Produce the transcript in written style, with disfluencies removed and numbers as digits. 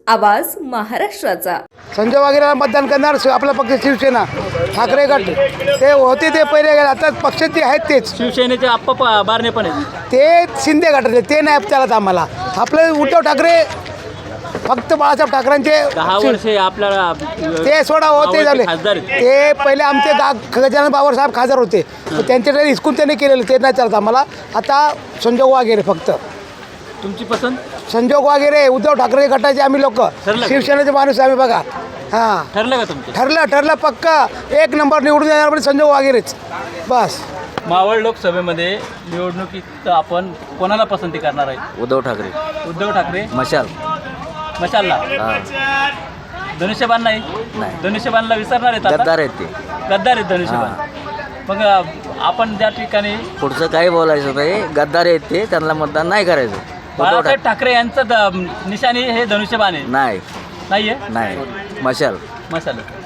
आवाज महाराष्ट्राचा. संजय वाघेरेला मतदान करणार. आपला पक्ष शिवसेना ठाकरे गट ते होते ते पहिले, आता पक्ष ते आहेत तेच. शिवसेनेचे आप्पा बारणे पण आहेत. ते शिंदे गटातले ते नाही चालत आम्हाला. आपलं उद्धव ठाकरे फक्त बाळासाहेब ठाकरेंचे 10 वर्षे आपल्याला ते सोडा होते झाले. खासदार आहेत. ते पहिले आमचे गजानन बाबर साहेब खासदार होते, त्यांच्याकडे हिसकून त्यांनी केलेलं ते नाही चालत आम्हाला. आता संजोग वाघेरे फक्त. तुमची पसंत संजोग वाघेरे उद्धव ठाकरे गटाचे आम्ही लोक, ठरलं. शिवसेनेचे माणूस आम्ही बघा. हां ठरलं का तुमचं? ठरलं पक्का. 1 नंबर निवडून येणार म्हणजे संजोग वाघेरेच बस. मावळ लोकसभेमध्ये निवडणुकीत आपण कोणाला पसंती करणार आहे? उद्धव ठाकरे. उद्धव ठाकरे मशाल. मशालला. धनुष्यबाण नाही. धनुष्यबाणला विसरणार आहेत आता? गद्दार आहेत ते. गद्दार आहेत धनुष्यबाण. मग आपण त्या ठिकाणी पुढचं काही बोलायचं नाही. गद्दार आहेत ते, त्यांना मतदान नाही करायचं. बाळासाहेब ठाकरे यांचं निशाणी हे धनुष्यबाण आहे. नाही नाहीये नाही मशाल. मसाला